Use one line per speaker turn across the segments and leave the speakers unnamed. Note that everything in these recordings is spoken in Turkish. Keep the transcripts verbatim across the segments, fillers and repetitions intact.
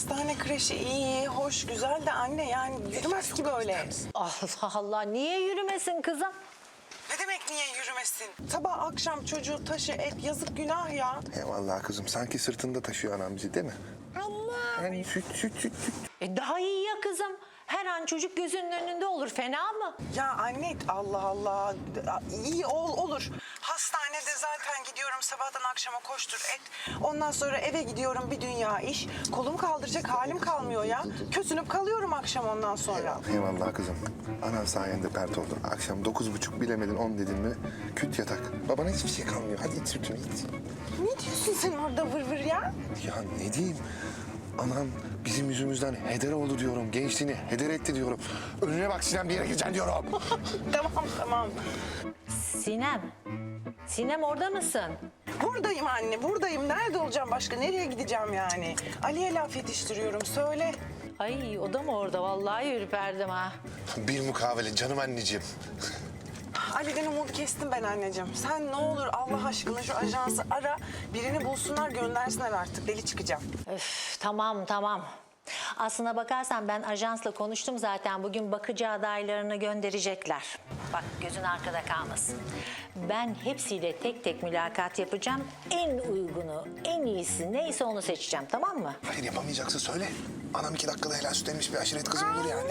hastane kreşi iyi, hoş, güzel de anne yani yürümez ki böyle.
Allah Allah, niye yürümesin kızım?
Ne demek niye yürümesin? Sabah akşam çocuğu taşı et, yazık günah ya.
Eyvallah kızım. Sanki sırtında taşıyor anam bizi değil mi?
Allah.
Yani süt süt süt süt.
E daha iyi ya kızım. Her an çocuk gözünün önünde olur, fena mı?
Ya anne Allah Allah, iyi ol olur. Hastanede zaten gidiyorum sabahtan akşama koştur et. Ondan sonra eve gidiyorum bir dünya iş. Kolum kaldıracak halim kalmıyor ya. Kösünüp kalıyorum akşam ondan sonra.
Eyvallah kızım. Anan sayende pert oldu. Akşam dokuz buçuk bilemedin on dedin mi küt yatak. Babana hiçbir şey kalmıyor. Hadi iç sütünü iç.
Ne diyorsun sen orada vır vır ya?
Ya ne diyeyim? Anam bizim yüzümüzden heder oldu diyorum. Gençliğini heder etti diyorum. Önüne bak Sinem bir yere gideceksin diyorum.
Tamam tamam.
Sinem, Sinem orada mısın?
Buradayım anne, buradayım. Nerede olacağım başka? Nereye gideceğim yani? Ali'ye laf yetiştiriyorum, söyle.
Ay o da mı orada? Vallahi ürperdim ha.
Bir mukavele canım anneciğim.
Ali'den umudu kestim ben anneciğim. Sen ne olur Allah aşkına şu ajansı ara. Birini bulsunlar, göndersinler artık. Deli çıkacağım.
Öf, tamam tamam. Aslına bakarsan ben ajansla konuştum zaten. Bugün bakıcı adaylarını gönderecekler. Bak gözün arkada kalmasın. Ben hepsiyle tek tek mülakat yapacağım. En uygunu, en iyisi neyse onu seçeceğim, tamam mı?
Hayır yapamayacaksa söyle. Anam iki dakikada helal süt emmiş bir aşiret kızı olur yani.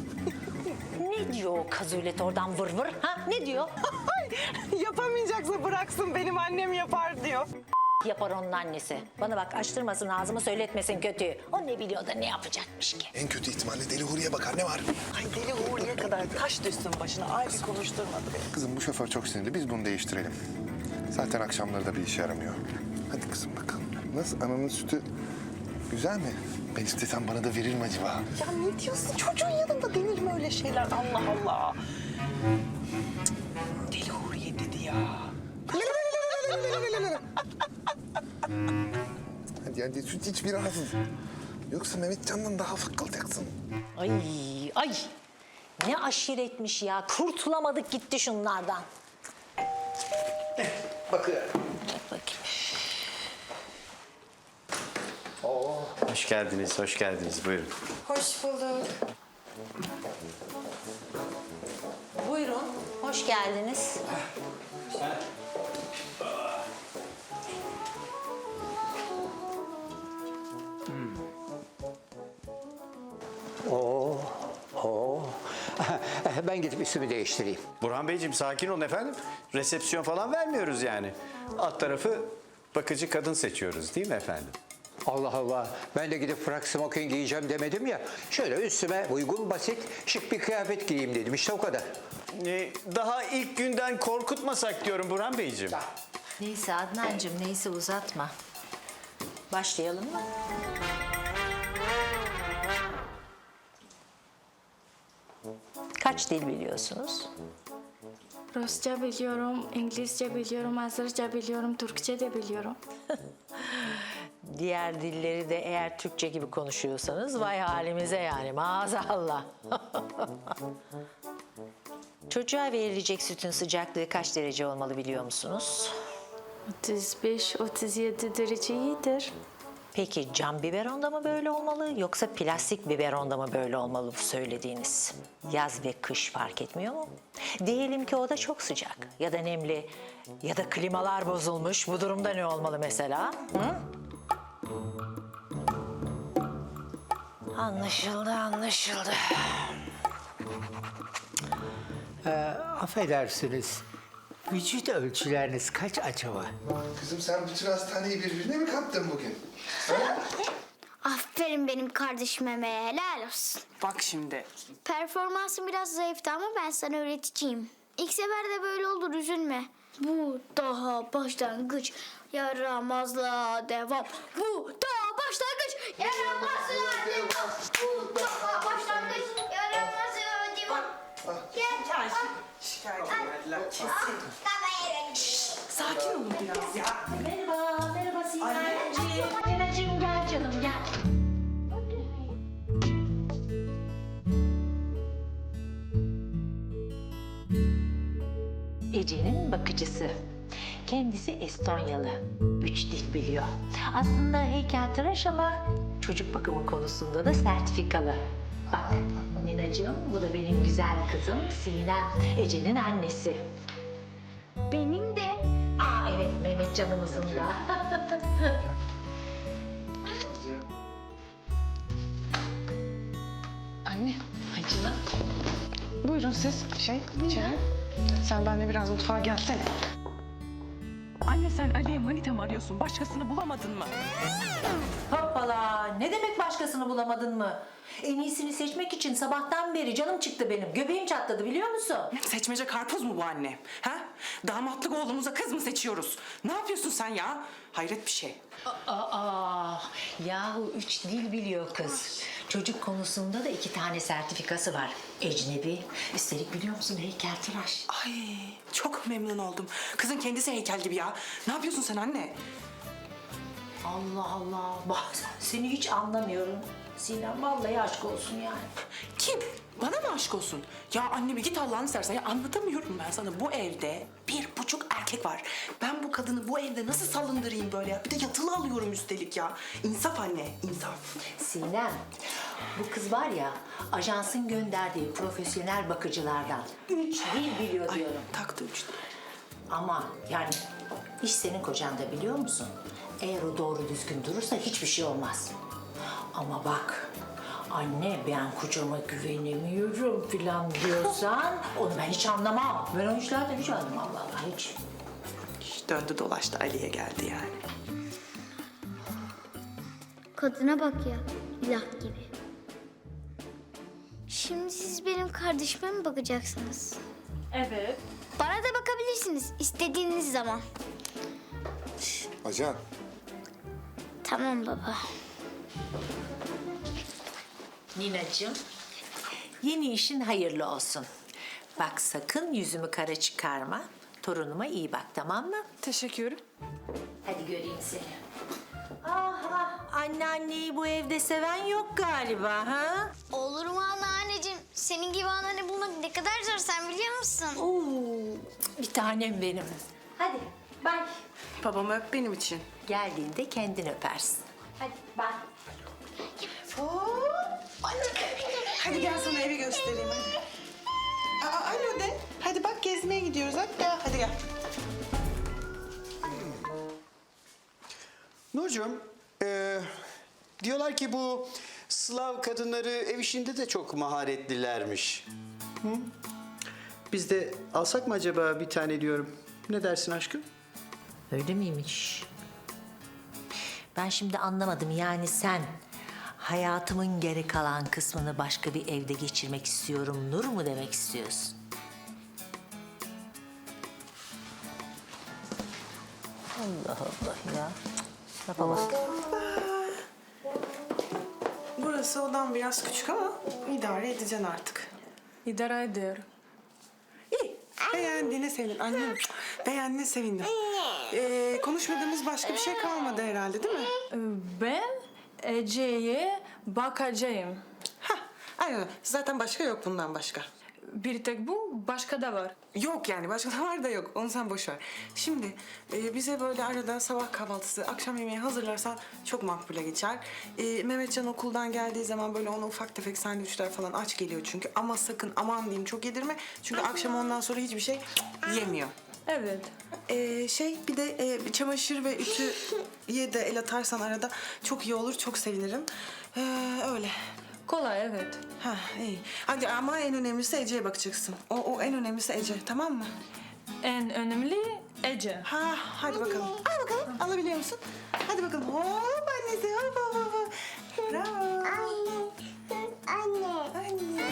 Ne diyor o kazulet oradan vır vır? Ha? Ne diyor?
Yapamayacaksa bıraksın, benim annem yapar diyor.
Yapar onun annesi. Bana bak açtırmasın ağzımı, söyletmesin kötüyü. O ne biliyor da ne yapacakmış ki?
En kötü ihtimalle deli Huriye bakar ne var?
Ay deli Uğur'ya kadar taş düşsün başına. Ay bir konuşturmadı beni.
Kızım bu şoför çok sinirli. Biz bunu değiştirelim. Zaten akşamları da bir işe yaramıyor. Hadi kızım bakalım. Nasıl ananın sütü güzel mi? Ben istesem bana da verir mi acaba?
Ya ne diyorsun? Çocuğun yanında denir mi öyle şeyler? Allah Allah. Cık, deli Uğur'ya dedi ya.
Hadi hadi süt iç biraz. Yoksa Mehmetcan'dan daha fıkkılacaksın.
Ay ay. Ne aşiretmiş ya. Kurtulamadık gitti şunlardan.
Bakıyorum.
Bakayım.
Hoş geldiniz, hoş geldiniz. Buyurun.
Hoş bulduk.
Buyurun. Hoş geldiniz.
Oo, oo. Ben gidip üstümü değiştireyim.
Burhan Beyciğim sakin olun efendim. Resepsiyon falan vermiyoruz yani. Alt tarafı bakıcı kadın seçiyoruz değil mi efendim?
Allah Allah. Ben de gidip frak smoking giyeceğim demedim ya. Şöyle üstüme uygun, basit, şık bir kıyafet giyeyim dedim. İşte o kadar.
Ee, daha ilk günden korkutmasak diyorum Burhan Beyciğim.
Neyse Adnancığım neyse uzatma. Başlayalım mı? Kaç dil biliyorsunuz?
Rusça biliyorum, İngilizce biliyorum, Azerce biliyorum, Türkçe de biliyorum.
Diğer dilleri de eğer Türkçe gibi konuşuyorsanız vay halimize yani maazallah. Çocuğa verilecek sütün sıcaklığı kaç derece olmalı biliyor musunuz?
otuz beş otuz yedi derece iyidir.
Peki cam biberonda mı böyle olmalı yoksa plastik biberonda mı böyle olmalı bu söylediğiniz? Yaz ve kış fark etmiyor mu? Diyelim ki o da çok sıcak ya da nemli ya da klimalar bozulmuş. Bu durumda ne olmalı mesela? Hı? Anlaşıldı, anlaşıldı.
Affedersiniz. Vücut ölçüleriniz kaç acaba?
Kızım sen bütün hastaneyi birbirine mi kattın bugün?
Aferin benim kardeşime, helal olsun.
Bak şimdi.
Performansın biraz zayıftı ama ben sana öğreteceğim. İlk seferde böyle olur, üzülme. Bu daha başlangıç, yaramazlığa devam. Bu daha başlangıç, yaramazlığa devam. Bu daha başlangıç, yaramazlığa devam. Gel.
Şikayet verdiler.
Sakin olun biraz ya.
Merhaba, merhaba Sinemciğim. Sinacığım gel canım gel. Ece'nin bakıcısı. Kendisi Estonyalı. Üç dil biliyor. Aslında heykeltıraş ama Çocuk bakımı konusunda da sertifikalı. Bak Ninacığım, bu da benim güzel kızım Sinem, Ece'nin annesi.
Benim de.
Aa evet, Mehmet canımızın da.
Anne, ay canım. Buyurun siz, şey, içeri. Sen benimle biraz mutfağa gelsene. Anne sen Ali'ye manita mı arıyorsun? Başkasını bulamadın mı?
Hoppala, ne demek başkasını bulamadın mı? En iyisini seçmek için sabahtan beri canım çıktı benim. Göbeğim çatladı biliyor musun?
Seçmece karpuz mu bu anne? Ha? Damatlık oğlumuza kız mı seçiyoruz? Ne yapıyorsun sen ya? Hayret bir şey.
Aa, yahu üç dil biliyor kız. Çocuk konusunda da iki tane sertifikası var. Ecnebi, üstelik biliyor musun heykeltıraş.
Ay çok memnun oldum. Kızın kendisi heykel gibi ya. Ne yapıyorsun sen anne?
Allah Allah, bazen seni hiç anlamıyorum. Sinem vallahi aşk olsun yani.
Kim? Bana mı aşk olsun? Ya anne bir git Allah'ını seversen. Ya anlatamıyorum ben sana. Bu evde bir buçuk erkek var. Ben bu kadını bu evde nasıl salındırayım böyle ya? Bir de yatılı alıyorum üstelik ya. İnsaf anne, insaf.
Sinem, bu kız var ya, ajansın gönderdiği profesyonel bakıcılardan. Üç dil biliyor diyorum.
Taktı üç.
Ama yani iş senin kocan da biliyor musun? Eğer o doğru düzgün durursa hiçbir şey olmaz. Ama bak, anne ben kocama güvenemiyorum falan diyorsan onu ben hiç anlamam. Ben o işlerden hiç anlamam vallahi hiç.
Hiç döndü dolaştı Ali'ye geldi yani.
Kadına bak ya. İlah gibi. Şimdi siz benim kardeşime mi bakacaksınız?
Evet.
Bana da bakabilirsiniz istediğiniz zaman.
Ajan.
Tamam baba.
Ninacığım, yeni işin hayırlı olsun. Bak sakın yüzümü kara çıkarma. Torunuma iyi bak, tamam mı?
Teşekkür.
Hadi göreyim seni. Ah ah, anneanneyi bu evde seven yok galiba ha?
Olur mu anneanneciğim? Senin gibi anneanne bulmak ne kadar zor sen biliyor musun?
Oo, bir tanem benim. Hadi, bye.
Babamı öp benim için.
Geldiğinde kendin öpersin. Hadi, bye.
Hadi gel sana evi göstereyim hadi. Aa, alo de. Hadi bak gezmeye gidiyoruz hadi gel. Hadi gel.
Nurcuğum, e, diyorlar ki bu Slav kadınları ev işinde de çok maharetlilermiş. Hı? Biz de alsak mı acaba bir tane diyorum. Ne dersin aşkım?
Öyle miymiş? Ben şimdi anlamadım. Yani sen hayatımın geri kalan kısmını başka bir evde geçirmek istiyorum Nur mu demek istiyorsun? Allah Allah ya. Lafa bak.
Burası odan biraz küçük ama idare edeceksin artık.
İdare ediyorum.
İyi. Beğendiğine sevindim. Annem beğendiğine sevindim. Ee, konuşmadığımız başka bir şey kalmadı herhalde değil mi?
Ben Ece'ye bakacağım.
Hah, aynen. Zaten başka yok bundan başka.
Bir tek bu, başka da var.
Yok yani başka da var da yok. Onu sen boş ver. Şimdi e, bize böyle arada sabah kahvaltısı, akşam yemeği hazırlarsan çok makbule geçer. E, Mehmetcan okuldan geldiği zaman böyle ona ufak tefek sandviçler falan aç geliyor çünkü. Ama sakın aman diyeyim çok yedirme. Çünkü akşam ondan sonra hiçbir şey yemiyor.
Evet.
E, şey bir de e, çamaşır ve ütüye de el atarsan arada çok iyi olur. Çok sevinirim. E, öyle.
Kolay, evet.
Ha iyi. Hadi ama en önemlisi Ece'ye bakacaksın. O, o en önemlisi Ece tamam mı?
En önemli Ece.
Ha, hadi bakalım. Al bakalım. Alabiliyor musun? Hadi bakalım. Hop annesi. Hop hop hop, hop. Bravo.
Anne.
Anne.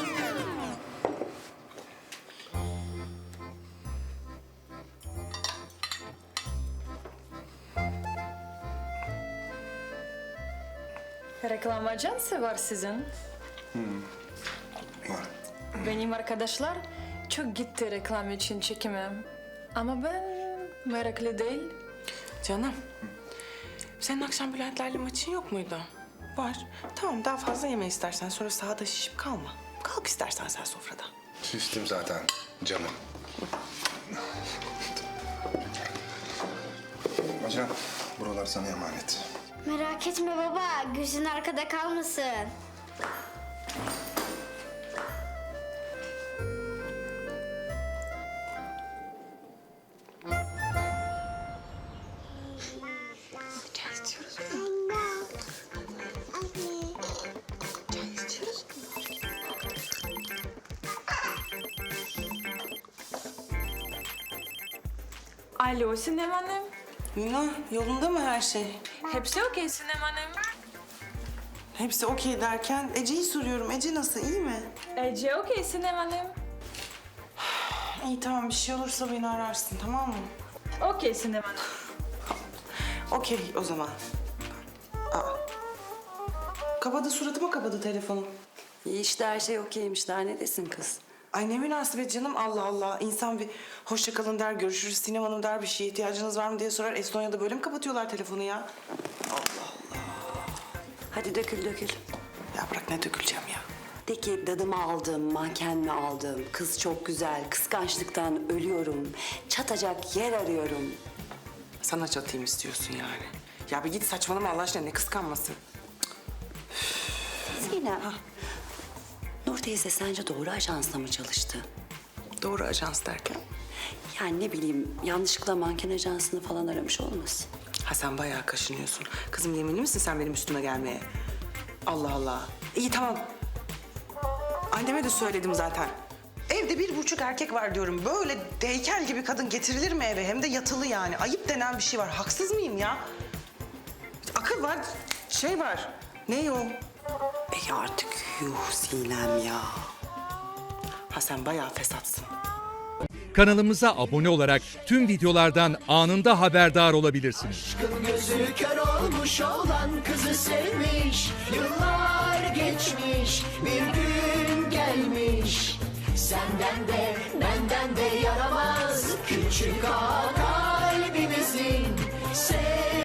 Reklam ajansı var sizin.
Var.
Benim arkadaşlar çok gitti reklam için çekime. Ama ben meraklı değil.
Canım. Senin akşam Bülentlerle maçın yok muydu? Var. Tamam daha fazla yeme istersen. Sonra sahada şişip kalma. Kalk istersen sen sofrada.
Şiştim zaten canım. Ajan, buralar sana emanet.
Merak etme baba, gözün arkada kalmasın.
Alo Sinem Hanım.
Mina, yolunda mı her şey?
Hepsi okey Sinem Hanım.
Hepsi okey derken Ece'yi soruyorum. Ece nasıl, iyi mi?
Ece okey Sinem Hanım.
İyi tamam, bir şey olursa beni ararsın, tamam mı?
Okey Sinem Hanım.
Okey o zaman. Aa. Kapadı, suratıma kapadı telefonu.
İyi işte her şey okeymiş. Daha ne desin kız?
Ay ne münasebet canım, Allah Allah. İnsan bir hoşça kalın der, görüşürüz Sinem Hanım der, bir şeye ihtiyacınız var mı diye sorar. Estonya'da böyle mi kapatıyorlar telefonu ya?
Hadi dökül dökül.
Ya bırak, ne döküleceğim ya.
De ki dadımı aldım, manken mi aldım? Kız çok güzel, kıskançlıktan ölüyorum. Çatacak yer arıyorum.
Sana çatayım istiyorsun yani. Ya bir git, saçmalama Allah aşkına, ne kıskanması.
Sinem, Nur teyze sence doğru ajansla mı çalıştı?
Doğru ajans derken?
Yani ne bileyim, yanlışlıkla manken ajansını falan aramış olmasın?
Ha sen bayağı kaşınıyorsun. Kızım yeminli misin sen benim üstüme gelmeye? Allah Allah. İyi tamam. Anneme de söyledim zaten. Evde bir buçuk erkek var diyorum. Böyle heykel gibi kadın getirilir mi eve? Hem de yatılı yani. Ayıp denen bir şey var. Haksız mıyım ya? Akıl var, şey var. Ne o?
E artık yuh Sinem ya.
Ha sen bayağı fesatsın.
Kanalımıza abone olarak tüm videolardan anında haberdar olabilirsiniz.
Gözü kör olmuş olan kızı sevmiş. Yıllar geçmiş, bir gün gelmiş. Senden de benden de yaramaz küçük ağa kalbimizin. Sev